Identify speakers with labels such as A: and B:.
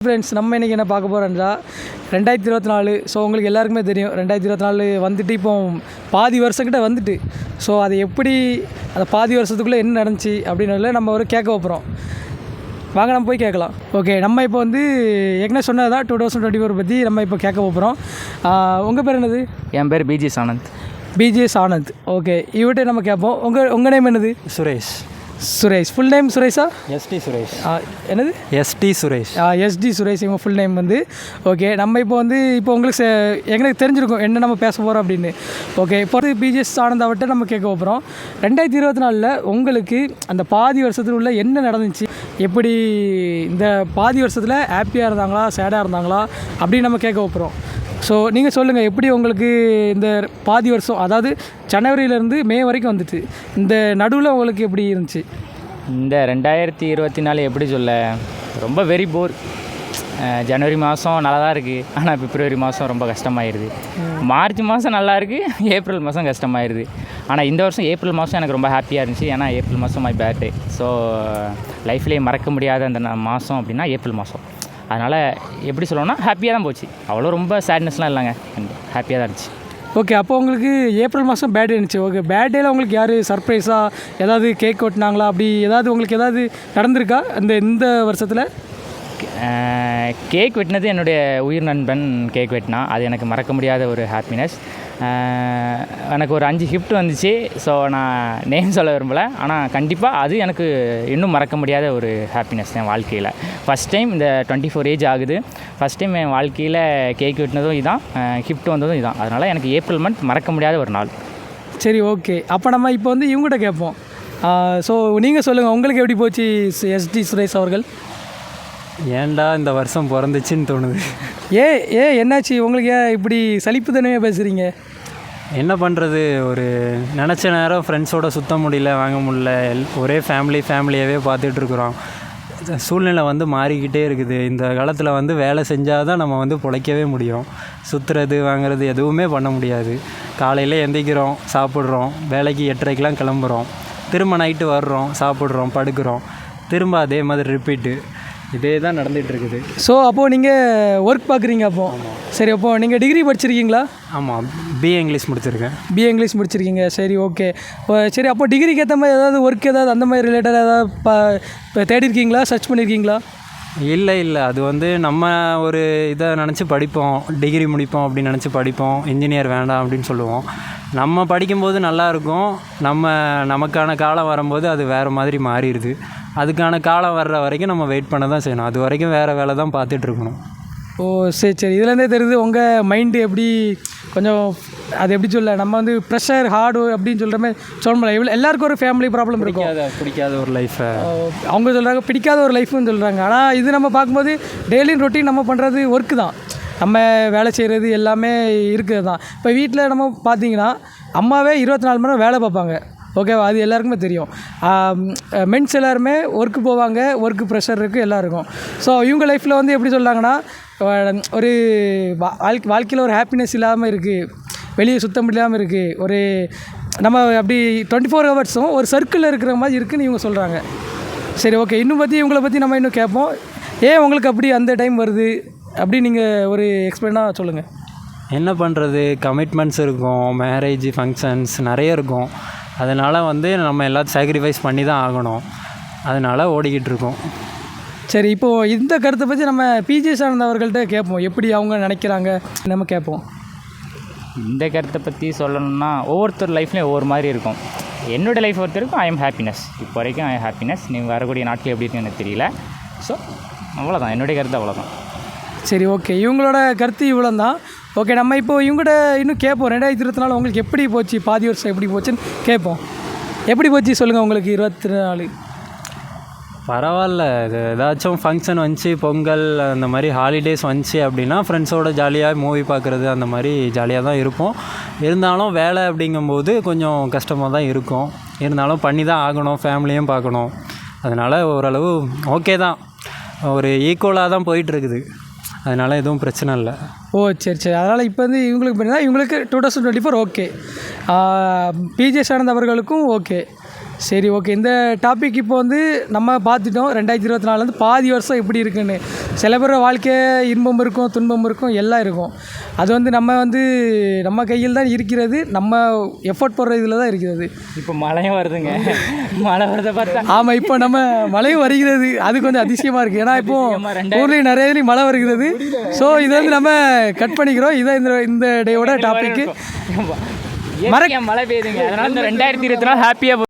A: Friends, நம்ம இன்றைக்கி என்ன பார்க்க போகிறோம்னா 2024. ஸோ உங்களுக்கு எல்லாருக்குமே தெரியும் 2024 வந்துட்டு இப்போ பாதி வருஷங்கிட்ட வந்துட்டு. ஸோ அது எப்படி அந்த பாதி வருஷத்துக்குள்ளே என்ன நடந்துச்சு அப்படின்றதுல நம்ம ஒரு கேட்க போகிறோம். வாங்க நம்ம போய் கேட்கலாம். ஓகே, நம்ம இப்போ வந்து ஏற்கனவே சொன்னதான் 2024 பற்றி நம்ம இப்போ கேட்க போகிறோம். உங்கள் பேர் என்னது?
B: என் பேர் BGS Anand.
A: BGS Anand. Okay, இவர்கிட்ட நம்ம கேட்போம். உங்கள் நேம் என்னது?
C: சுரேஷ்.
A: சுரேஷ். ஃபுல் நேம் சுரேஷா?
C: எஸ்டி சுரேஷ்.
A: என்னது?
C: எஸ்டி சுரேஷ்.
A: எஸ்டி சுரேஷ் இவங்க ஃபுல் நேம் வந்து. ஓகே, நம்ம இப்போ வந்து இப்போ உங்களுக்கு எங்களுக்கு தெரிஞ்சிருக்கும் என்ன நம்ம பேச போகிறோம் அப்படின்னு. ஓகே, இப்போ வந்து பிஜிஎஸ் ஆனந்த் அவர்கிட்ட நம்ம கேட்க போகிறோம். 2024 உங்களுக்கு அந்த பாதி வருஷத்தில் உள்ள என்ன நடந்துச்சு, எப்படி இந்த பாதி வருஷத்தில் ஹாப்பியாக இருந்தாங்களா சேடாக இருந்தாங்களா அப்படின்னு நம்ம கேட்க போகிறோம். ஸோ நீங்கள் சொல்லுங்கள், எப்படி உங்களுக்கு இந்த பாதி வருஷம், அதாவது ஜனவரியிலேருந்து மே வரைக்கும் வந்துட்டு இந்த நடுவில் உங்களுக்கு எப்படி இருந்துச்சு?
B: இந்த 2024 எப்படி சொல்ல, ரொம்ப வெரி போர். ஜனவரி மாதம் நல்லா தான் இருக்குது, ஆனால் பிப்ரவரி மாதம் ரொம்ப கஷ்டமாயிருது. மார்ச் மாதம் நல்லா இருக்குது, ஏப்ரல் மாதம் கஷ்டமாயிருது. ஆனால் இந்த வருஷம் ஏப்ரல் மாதம் எனக்கு ரொம்ப ஹாப்பியாக இருந்துச்சு. ஏன்னா ஏப்ரல் மாதம் மை பர்த்டே. ஸோ லைஃப்லேயே மறக்க முடியாத அந்த மாதம் அப்படின்னா ஏப்ரல் மாதம். அதனால் எப்படி சொல்லணும்னா ஹாப்பியாக தான் போச்சு. அவ்வளோ ரொம்ப சேட்னஸ்லாம் இல்லைங்க, ஹாப்பியாக தான் இருந்துச்சு.
A: ஓகே, அப்போ உங்களுக்கு ஏப்ரல் மாதம் பேர்டே இருந்துச்சு. ஓகே, பேர்டேயில் உங்களுக்கு யார் சர்ப்ரைஸாக ஏதாவது கேக் வெட்டினாங்களா, அப்படி ஏதாவது உங்களுக்கு ஏதாவது நடந்திருக்கா இந்த வருஷத்தில்?
B: கேக் வெட்டினது என்னுடைய உயிர் நண்பன் கேக் வெட்டினா, அது எனக்கு மறக்க முடியாத ஒரு ஹாப்பினஸ். எனக்கு ஒரு 5 கிஃப்ட் வந்துச்சு. ஸோ நான் நேம் சொல்ல விரும்பலை, ஆனால் கண்டிப்பாக அது எனக்கு இன்னும் மறக்க முடியாத ஒரு ஹாப்பினஸ் என் வாழ்க்கையில். ஃபஸ்ட் டைம் இந்த 24 ஏஜ் ஆகுது, ஃபஸ்ட் டைம் என் வாழ்க்கையில் கேக் வெட்டினதும் இதான், கிஃப்ட் வந்ததும் இதான். அதனால் எனக்கு ஏப்ரல் மந்த் மறக்க முடியாத ஒரு நாள்.
A: சரி, ஓகே. அப்போ நம்ம இப்போ வந்து இவங்ககிட்ட கேட்போம். ஸோ நீங்கள் சொல்லுங்கள், உங்களுக்கு எப்படி போச்சு எஸ்டி சுரேஷ் அவர்கள்?
C: ஏன்டா இந்த வருஷம் பிறந்துச்சின்னு தோணுது.
A: என்னாச்சு உங்களுக்கு? ஏன் இப்படி சலிப்பு தானே பேசுகிறீங்க?
C: என்ன பண்ணுறது, ஒரு நினச்ச நேரம் ஃப்ரெண்ட்ஸோடு சுற்ற முடியல, வாங்க முடியல. ஒரே ஃபேமிலியாகவே பார்த்துட்ருக்குறோம். சூழ்நிலை வந்து மாறிக்கிட்டே இருக்குது. இந்த காலத்தில் வந்து வேலை செஞ்சால் தான் நம்ம வந்து பிழைக்கவே முடியும். சுற்றுறது வாங்குறது எதுவுமே பண்ண முடியாது. காலையில் எந்திரிக்கிறோம், சாப்பிட்றோம், வேலைக்கு 8:30க்கெலாம் கிளம்புறோம், திரும்ப நைட்டு வர்றோம், சாப்பிட்றோம், படுக்கிறோம், திரும்ப அதே மாதிரி ரிப்பீட்டு, இதே தான் நடந்துகிட்ருக்குது.
A: ஸோ அப்போது நீங்கள் ஒர்க் பார்க்குறீங்க அப்போ? சரி, அப்போது நீங்கள் டிகிரி படிச்சிருக்கீங்களா?
C: ஆமாம், பிஏ இங்கிலீஷ் முடிச்சிருக்கேன்.
A: பிஏ இங்கிலீஷ் முடிச்சிருக்கீங்க. சரி, ஓகே. சரி, அப்போ டிகிரிக்கு ஏற்ற மாதிரி ஏதாவது ஒர்க் ஏதாவது அந்த மாதிரி ரிலேட்டடாக ஏதாவது தேடிருக்கீங்களா, சர்ச் பண்ணியிருக்கீங்களா?
C: இல்லை, அது வந்து நம்ம ஒரு இதை நினச்சி படிப்போம், டிகிரி முடிப்போம் அப்படின்னு நினச்சி படிப்போம், இன்ஜினியர் வேண்டாம் அப்படின்னு சொல்லுவோம். நம்ம படிக்கும்போது நல்லாயிருக்கும், நமக்கான காலம் வரும்போது அது வேறு மாதிரி மாறிடுது. அதுக்கான காலம் வர்ற வரைக்கும் நம்ம வெயிட் பண்ண தான் செய்யணும். அது வரைக்கும் வேறு வேலை தான் பார்த்துட்ருக்கணும்.
A: ஓ, சரி. இதுலேருந்தே தெரியுது உங்கள் மைண்டு எப்படி கொஞ்சம், அது எப்படி சொல்ல, நம்ம வந்து ப்ரெஷர் ஹார்டு அப்படின்னு சொல்கிற மாதிரி சொல்ல முடியல. எல்லாருக்கும் ஒரு ஃபேமிலி ப்ராப்ளம் இருக்கும்,
C: பிடிக்காத ஒரு லைஃப்பை
A: அவங்க சொல்கிறாங்க, பிடிக்காத ஒரு லைஃப்னு சொல்கிறாங்க. ஆனால் இது நம்ம பார்க்கும்போது டெய்லியும் ரொட்டீன் நம்ம பண்ணுறது ஒர்க்கு தான், நம்ம வேலை செய்கிறது எல்லாமே இருக்குது தான். இப்போ வீட்டில் நம்ம பார்த்தீங்கன்னா அம்மாவே 24 மணி நேரம் வேலை பார்ப்பாங்க. ஓகேவா? அது எல்லாருக்குமே தெரியும். மென்ஸ் எல்லாருமே ஒர்க்கு போவாங்க, ஒர்க்கு ப்ரெஷர் இருக்குது, எல்லாம் இருக்கும். ஸோ இவங்க லைஃப்பில் வந்து எப்படி சொல்கிறாங்கன்னா, ஒரு வாழ்க்கையில் ஒரு ஹாப்பினஸ் இல்லாமல் இருக்குது, வெளியே சுத்த முடியாமல் இருக்குது, ஒரு நம்ம அப்படி 24 ஹவர்ஸும் ஒரு சர்க்கிளில் இருக்கிற மாதிரி இருக்குதுன்னு இவங்க சொல்கிறாங்க. சரி, ஓகே. இன்னும் பற்றி இவங்களை பற்றி நம்ம இன்னும் கேட்போம். ஏன் உங்களுக்கு அப்படி அந்த டைம் வருது அப்படி நீங்கள் ஒரு எக்ஸ்பிளைனாக சொல்லுங்கள்.
C: என்ன பண்ணுறது, கமிட்மெண்ட்ஸ் இருக்கும், மேரேஜ் ஃபங்க்ஷன்ஸ் நிறைய இருக்கும். அதனால் வந்து நம்ம எல்லாத்தையும் சாக்ரிஃபைஸ் பண்ணி தான் ஆகணும். அதனால் ஓடிக்கிட்டு இருக்கோம்.
A: சரி, இப்போது இந்த கருத்தை பற்றி நம்ம பிஜிஎஸ் ஆனந்த் அவர்கள்ட்ட கேட்போம், எப்படி அவங்க நினைக்கிறாங்க நம்ம கேட்போம்.
B: இந்த கருத்தை பற்றி சொல்லணும்னா ஒவ்வொருத்தர் லைஃப்லேயும் ஒவ்வொரு மாதிரி இருக்கும். என்னோடய லைஃப் ஒருத்தருக்கும் ஐ எம் ஹாப்பினஸ், இப்போ வரைக்கும் ஐ எம் ஹாப்பினஸ். நீங்கள் வரக்கூடிய நாட்கள் எப்படி இருக்குன்னு எனக்கு தெரியல. ஸோ அவ்வளோதான், என்னுடைய கருத்து அவ்வளோதான்.
A: சரி, ஓகே. இவங்களோட கருத்து இவ்வளோ தான். ஓகே, நம்ம இப்போது இவங்கள்ட்ட இன்னும் கேட்போம். 2024 உங்களுக்கு எப்படி போச்சு, பாதி வருஷம் எப்படி போச்சுன்னு கேட்போம். எப்படி போச்சு சொல்லுங்கள் உங்களுக்கு 2024?
C: பரவாயில்ல, இது ஏதாச்சும் ஃபங்க்ஷன் வந்துச்சு, பொங்கல் அந்த மாதிரி ஹாலிடேஸ் வந்துச்சு அப்படின்னா ஃப்ரெண்ட்ஸோடு ஜாலியாக மூவி பார்க்குறது அந்த மாதிரி ஜாலியாக தான் இருப்போம். இருந்தாலும் வேலை அப்படிங்கும்போது கொஞ்சம் கஷ்டமாக தான் இருக்கும். இருந்தாலும் பண்ணி தான் ஆகணும், ஃபேமிலியும் பார்க்கணும். அதனால் ஓரளவு ஓகே தான், ஒரு ஈக்குவலாக தான் போயிட்டுருக்குது. அதனால் எதுவும் பிரச்சனை இல்லை.
A: ஓ, சரி. அதனால் இப்போ வந்து இவங்களுக்கு பார்த்தீங்கன்னா இவங்களுக்கு 2024 ஓகே, பிஜிஎஸ் ஆனந்த் அவர்களுக்கும் ஓகே. சரி ஓகே, இந்த டாபிக் இப்போ வந்து நம்ம பார்த்துட்டோம் 2024 வந்து பாதி வருஷம் எப்படி இருக்குன்னு. சில பேர் வாழ்க்கை இன்பம் இருக்கும், துன்பம் இருக்கும், எல்லாம் இருக்கும். அது வந்து நம்ம கையில் தான் இருக்கிறது, நம்ம எஃபோர்ட் போடுற இதில் தான் இருக்கிறது.
B: இப்போ மழையும் வருதுங்க, மழை வரதை பார்த்தா.
A: ஆமாம், இப்போ நம்ம மழையும் வருகிறது, அது கொஞ்சம் அதிசயமாக இருக்குது. ஏன்னா இப்போ ஊர்லேயும் நிறைய இதுலேயும் மழை வருகிறது. ஸோ இதை வந்து நம்ம கட் பண்ணிக்கிறோம். இதான் இந்த டேயோட டாபிக்கு.
B: மழை பெய்யுதுங்க, அதனால இந்த 2024 ஹாப்பியாக